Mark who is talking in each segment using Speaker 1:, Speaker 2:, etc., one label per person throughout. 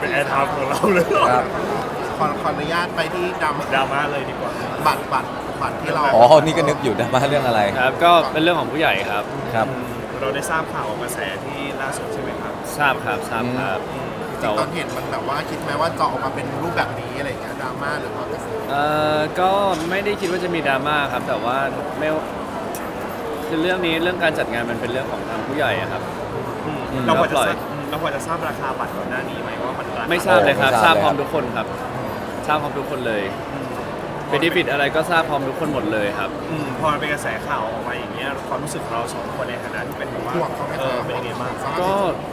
Speaker 1: เป็นแอร์ไทม์ของเราเลย
Speaker 2: ครับ
Speaker 3: ขออนุญาตไปที่
Speaker 1: ดราม่าเลยดีกว่า
Speaker 3: บัตรที่เรา
Speaker 2: อ๋อนี่ก็นึกอยู่นะว่าเรื่องอะไร
Speaker 4: ครับก็เป็นเรื่องของผู้ใหญ่ครับ
Speaker 2: ครับ
Speaker 1: เราได้ทราบข่าวกระแสที่ล่าสุดใช่ไหมครับ
Speaker 4: ทราบครับทราบครับ
Speaker 3: จริงๆตอนเห็นมันแบบว่าคิดไหมว่าจะออกมาเป็นรูปแบบนี้อะไรอย่างเงี้ยดราม่าหรือว่า
Speaker 4: ก็ไม่ได้คิดว่าจะมีดราม่าครับแต่ว่าไม่คือเรื่องนี้เรื่องการจัดงานมันเป็นเรื่องของทางผู้ใหญ่อะครับ
Speaker 1: เราพอจะ
Speaker 4: ปล่อย
Speaker 1: ทราบเราพอจะทราบราคาบัตรก่อนหน้านี้ไหมว่ามันราคา
Speaker 4: ไม่ทราบเลยครับ
Speaker 2: ไม่
Speaker 4: ท
Speaker 2: ท
Speaker 4: รา
Speaker 2: รา
Speaker 4: บบ พร้อม
Speaker 2: เลยครับ
Speaker 4: ทุกคนครับทราบพร้อมทุกคนเลยเบนฟิตอะไรก็ทราบพร้อมทุกคนหมดเลยครับ
Speaker 1: พอมันเป็นกระแสข่าวออกมาอย่างเงี้ยความรู้สึกของเราสองคนในฐานะที่เป็นแบบว่า
Speaker 3: ห่วงเขาไหมครับ
Speaker 1: เป็นยังไงบ้าง
Speaker 4: ก็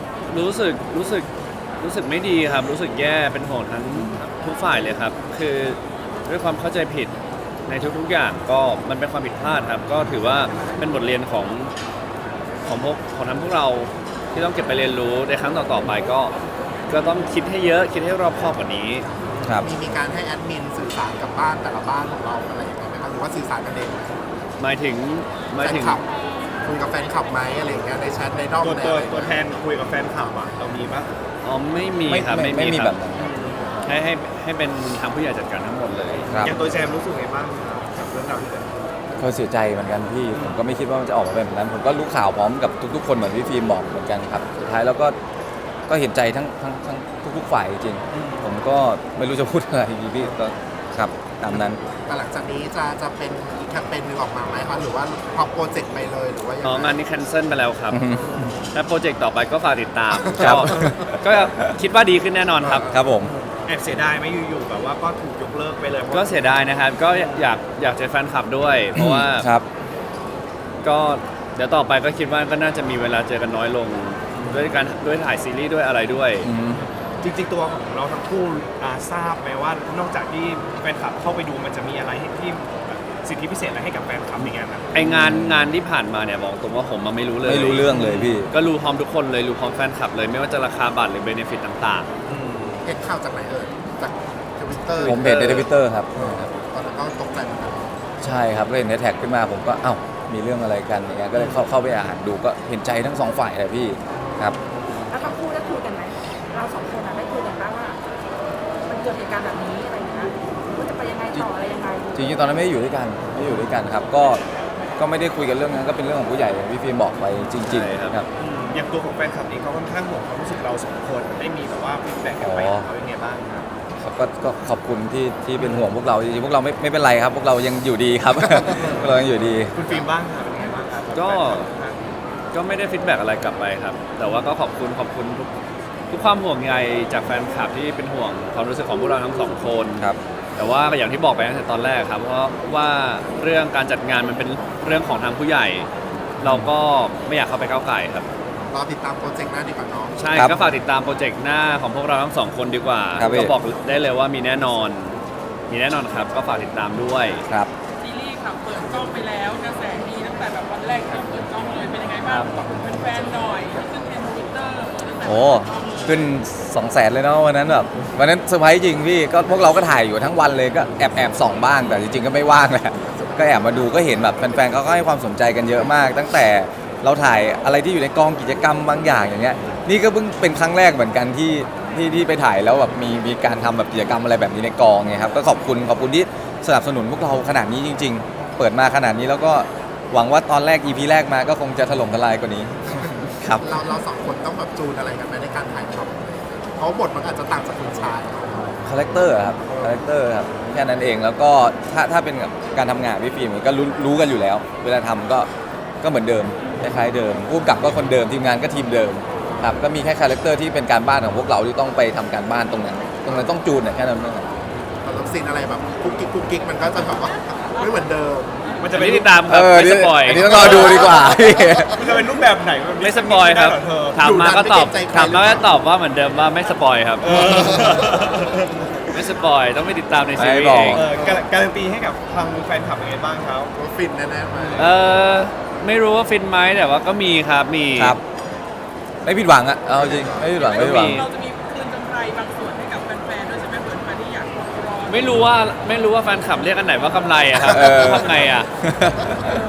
Speaker 4: รู้สึกไม่ดีครับ รู้สึกแย่เป็นห่วงทั้งทุกฝ่ายเลยครับ คือด้วยความเข้าใจผิดในทุกๆอย่างก็มันเป็นความผิดพลาดครับ ก็ถือว่าเป็นบทเรียนของทั้งพวกเราที่ต้องเก็บไปเรียนรู้ในครั้งต่อๆไปก็ต้องคิดให้เยอะคิดให้รอบคอบกว่านี้
Speaker 2: ครับ
Speaker 3: มีการให้แอดมินสื่อสารกับบ้านแต่ละบ้านของเราอะไรอย่างเงี้ยไหมครับหรือว่าสื่อสารกันเองไหม
Speaker 4: หมายถึง
Speaker 3: แฟนคลับคุยกับแฟนคลับไหมอะไรอย่างเงี้ยในแชทในด้อม
Speaker 1: ตัว
Speaker 3: ใน
Speaker 1: ตัว
Speaker 3: อะไร
Speaker 1: ตัวแทนคุยกับแฟนคลับอ่ะเรามีปะ
Speaker 4: อ๋อไม่มีครับ
Speaker 2: ไม่มี
Speaker 4: ค
Speaker 2: แบ
Speaker 4: รับบ
Speaker 2: นั้น
Speaker 4: ให้เป็นทางผู้ใหญ่จัดการทั้งหมดเลย
Speaker 2: ครับ
Speaker 1: อย่างตัวแจมรู้สึกไงบ้างกับเรื่องราวที่เกิดขึ้น
Speaker 2: ก็เสียใจเหมือนกันพี่ผมก็ไม่คิดว่ามันจะออกมาเป็นแบบนั้นผมก็รู้ข่าวพร้อมกับทุกๆคนเหมือนพี่ฟิล์มบอกเหมือนกันครับสุดท้ายแล้วก็เห็นใจทั้งทุกๆฝ่ายจริงๆผมก็ไม่รู้จะพูดอะไรดีพี่ก็ครับตามนั้น
Speaker 3: แต่หลังจากนี้จะเป็นอีกแคมเปญหนึงออกมาไหมครับหรือว่าพอโปรเจกต์ไปเลยหรือว่ายัง
Speaker 4: อ๋อ
Speaker 3: ไง
Speaker 4: งานนี้แคนเซิลไปแล้วครับ
Speaker 2: อือฮึ
Speaker 4: และโปรเจกต์ต่อไปก็ฝากติดตาม
Speaker 2: ครับ
Speaker 4: ก็คิดว่าดีขึ้นแน่นอนครับ
Speaker 2: ครับผม
Speaker 1: แอบเสียดายไหมอยู่ๆแบบว่าก็ถูกยกเลิกไปเลยเพราะ
Speaker 4: ก็เสียดายนะครับ ก็อยากเจอแฟนคลับด้วย เพราะว่า
Speaker 2: ครับ
Speaker 4: ก็เดี๋ยวต่อไปก็คิดว่าก็น่าจะมีเวลาเจอกันน้อยลง ด้วยถ่ายซีรีส์ด้วยอะไรด้วย
Speaker 2: อืม
Speaker 1: จริงๆตัวของเราทั้งคู่ทราบไหมว่านอกจากที่แฟนคลับเข้าไปดูมันจะมีอะไรที่แบบสิทธิพิเศษอะไรให้กับแฟนคลับในงานนั้น
Speaker 4: ไองานที่ผ่านมาเนี่ยบอกตรงว่าผมมาไม่รู้เลย
Speaker 2: ไม่รู้เรื่องเลยพี่
Speaker 4: ก็รู้พร้อมทุกคนเลยรู้พร้อมแฟนคลับเลยไม่ว่าจะราคาบัตรหรือเบนฟิตต่าง
Speaker 3: เห็นข่าวจากไหนเอ่ยจากทวิตเตอร์
Speaker 2: ผมเห็นในทวิตเตอร์ครับ
Speaker 3: ตอนนั้นก็ตกใจเหมือนกัน
Speaker 2: ใช่ครับก็เห็นในแท็กขึ้นมาผมก็เอ้ามีเรื่องอะไรกันอย่างเงี้ยก็เลยเข้าไปอ่านดูก็เห็นใจทั้งสองฝ่ายเลยพี่ครับ
Speaker 5: แล้วทั้งคู่ได้คุยกันไหมเราสองคนได้คุยกันบ้างว่ามันเกิดเหตุการณ์แบบนี้อะไรอย่างเงี้ยว่าจะไปยังไงต่ออะไรยังไง
Speaker 2: จริงๆตอนนั้นไม่ได้อยู่ด้วยกันครับก็ไม่ได้คุยกันเรื่องนั้นก็เป็นเรื่องของผู้ใหญ่อย่างที่ฟิล์มบอกไปจริงๆครับ
Speaker 1: อย่างตัวของแฟนคลับเองเขาค่อนข้างห่วงความรู้สึกเราสองคนได้มีแบบว่าฟีดแบ็กกลับไปหาเขายังไงบ้างครับ
Speaker 2: ก็ขอบคุณที่เป็นห่วงพวกเราจริงๆพวกเราไม่เป็นไรครับ พวกเรายังอยู่ดีครับ พวกเรายังอยู่ดี
Speaker 1: คุณฟิล์มบ้างครับเป็นยังไงบ้างครับ
Speaker 4: ๆ ก็ไม่ได้ฟีดแบ็กอะไรกลับไปครับ แต่ว่าก็ขอบคุณทุกความห่วงใยจากแฟนคลับที่เป็นห่วงความรู้สึกของพวกเราทั้งสองคน
Speaker 2: ครับ
Speaker 4: แต่ว่าอย่างที่บอกไปตั้งแต่ตอนแรกครับเพราะว่าเรื่องการจัดงานมันเป็นเรื่องของทางผู้ใหญ่ เราก็ไม่อยากเข้าไปก้าวไก่ครับ
Speaker 3: รอติดตามโปรเจกต์หน้าดีกว่าน้อง
Speaker 4: ใช่
Speaker 2: ครับ
Speaker 4: ก็ฝากติดตามโปรเจกต์หน้าของพวกเราทั้งสองคนดีกว่า
Speaker 2: ครับพี่
Speaker 4: ก็บอกได้เลยว่ามีแน่นอนครับก็ฝากติดตามด้วย
Speaker 2: ครับ
Speaker 6: ซีรีส์ค่ะเปิดกล้องไปแล้วกระแสดีตั้งแต่แบบวันแรกที่เราเปิดกล้องเลยเป็นยังไงบ้างบอกเป็นแฟนๆหน่อยขึ้นเทรนด์ทวิตเตอร์ตั้งแต่
Speaker 2: โอ้ขึ้น 200,000เลยเนาะวันนั้นแบบวันนั้นเซอร์ไพรส์จริงพี่ก็พวกเราก็ถ่ายอยู่ทั้งวันเลยก็แอบส่องบ้างแต่จริงๆก็ไม่ว่างแหละก็แอบมาดูก็เห็นแบบแฟนๆเขาก็ให้ความสนใจกันเยอะมาก ตั้งแต่เราถ่ายอะไรที่อยู่ในกองกิจกรรมบางอย่างอย่างเงี้ยนี่ก็เพิ่งเป็นครั้งแรกเหมือนกันที่ไปถ่ายแล้วแบบมีการทำแบบกิจกรรมอะไรแบบนี้ในกองไงครับก็ขอบคุณที่สนับสนุนพวกเราขนาดนี้จริง ๆ เปิดมาขนาดนี้แล้วก็หวังว่าตอนแรก EP แรกมาก็คงจะถล่มทลายกว่านี้ ครับ
Speaker 3: เราสองคนต้องแบบจูนอะไรกันไหมในการถ่ายทำเพราะบทมันอาจจะต่างจากคุณชาย
Speaker 2: คาแรคเตอร์ครับแค่นั้นเองแล้วก็ถ้าเป็นกับการทำงานพี่ฟิล์มก็รู้กันอยู่แล้ว เวลาทำก็เหมือนเดิมคล้ายๆเดิมผู้กำกับก็คนเดิมทีมงานก็ทีมเดิมครับก็มีแค่คาแรคเตอร์ที่เป็นการบ้านของพวกเราที่ต้องไปทำการบ้านตรงนั้นต้องจูนเนี่ยแค่นั้นเองครับ
Speaker 3: ตอนรับซีนอะไรแบบกุ๊กกิ๊กมันก็จะแบบว่าไม่เหมือนเดิม
Speaker 1: มันจะ
Speaker 4: ไม่
Speaker 1: เป็น
Speaker 4: ติดตามครับไม่สปอย
Speaker 2: อันนี้ต้องรอดูดีกว่า
Speaker 1: มันจะเป็นรูปแบบไหนน
Speaker 4: ไม่สปอยครับ
Speaker 1: ได้เหเธอ
Speaker 4: ถามมาก็ตอบ
Speaker 3: อยู่นานไม่เกรงใจใคร
Speaker 4: ถามมาก็ตอบว่าเหมือนเดิมว่าไม่สปอยครับ
Speaker 1: เออ
Speaker 4: ไม่สปอยต้องไปติดตามในซีรี
Speaker 2: ไม่
Speaker 4: ส์
Speaker 2: บอก
Speaker 4: เอง
Speaker 1: การันตีให้กับทางแฟนคลับยังไงบ้างครับ
Speaker 3: ว่าฟินแน่ๆไหม
Speaker 4: ไม่รู้ว่าฟินไหมแต่ว่าก็มีครับมี
Speaker 2: ครับไม่ผิดหวังอะเอาจริงไม่ผิดหวัง
Speaker 4: ไม่มี
Speaker 6: เราจะมีคืนกำไรบางส่วนให้กับแฟนๆด้วยใช่ไหมเหมือนมาที่อยากรอ
Speaker 4: ไม่รู้ว่าแฟนคลับเรียกอันไหนว่ากำไรอะครับทำไงอะ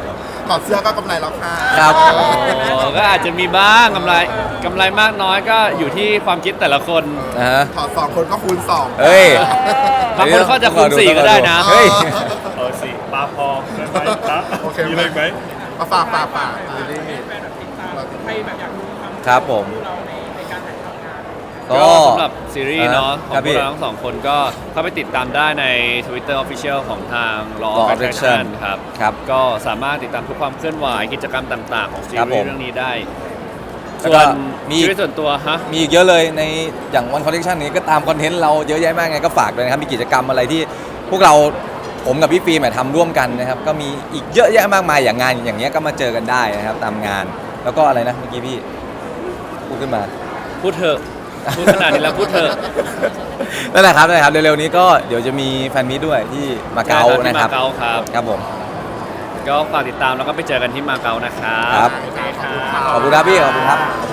Speaker 3: ถอดเสื้อก็กำไรแล้วค่ะ
Speaker 2: ครับ
Speaker 4: ก็อาจจะมีบ้างกำไรมากน้อยก็อยู่ที่ความคิดแต่ละคน
Speaker 2: นะฮะ
Speaker 3: ถอด2 คนก็คูณ 2
Speaker 2: เฮ้ย
Speaker 4: บางคนเขาจะคูณ4ก็ได้นะ
Speaker 2: เฮ้ย
Speaker 1: สิปลาพอได้ไหมครับ
Speaker 3: โอเค
Speaker 1: มีอะไรไหม
Speaker 3: มาฝากซีรีส์
Speaker 6: แฟนแบบติดตามใครแบบอยากดูความ
Speaker 2: ครับผม
Speaker 6: เราในการถ่ายทำงาน
Speaker 2: ก็
Speaker 4: ก็สำหรับซีรีส์เนาะขอ
Speaker 2: ครั
Speaker 4: ง
Speaker 2: บ
Speaker 4: พ
Speaker 2: พี่
Speaker 4: วกเราทั้งสองคนก็เข้าไปติดตามได้ใน Twitter Official ของทาง Law
Speaker 2: Law
Speaker 4: of
Speaker 2: of
Speaker 4: Attraction
Speaker 2: Attraction
Speaker 4: ครับ
Speaker 2: ครับ
Speaker 4: ก็สามารถติดตามทุกความเคลื่อนไหวกิจกรรมต่างๆ ของซี
Speaker 2: ครับ
Speaker 4: รี
Speaker 2: ผ
Speaker 4: ส์
Speaker 2: ม
Speaker 4: เรื่องนี้ได้
Speaker 2: แล้ว
Speaker 4: ส่
Speaker 2: ก็
Speaker 4: วน
Speaker 2: มี
Speaker 4: ชีวิตส่วนตัวฮะ
Speaker 2: มีอีกเยอะเลยในอย่างวันคอนเทนต์นี้ก็ตามคอนเทนต์เราเยอะแยะมากไงก็ฝากด้วยนะครับมีกิจกรรมอะไรที่พวกเราผมกับพี่ฟิล์มทำร่วมกันนะครับก็มีอีกเยอะแยะมากมายอย่างงานอย่างเงี้ยก็มาเจอกันได้นะครับตามงานแล้วก็อะไรนะเมื่อกี้พี่พูดขึ้นมา
Speaker 4: พูดเถอะพูดขนาดนี้แล้วพูดเถอะ
Speaker 2: นั่นแหละครับเร็วๆนี้ก็เดี๋ยวจะมีแฟนมิตด้วยที่มาเก๊า
Speaker 4: ที่
Speaker 2: นะครับ
Speaker 4: มาเก๊าครับ
Speaker 2: ครับผม
Speaker 4: ก็ฝากติดตามแล้วก็ไปเจอกันที่มาเก๊านะครับ
Speaker 2: ครับ
Speaker 3: ขอบคุณค่ะ
Speaker 2: ขอบคุณครับพี่ขอบคุณครับ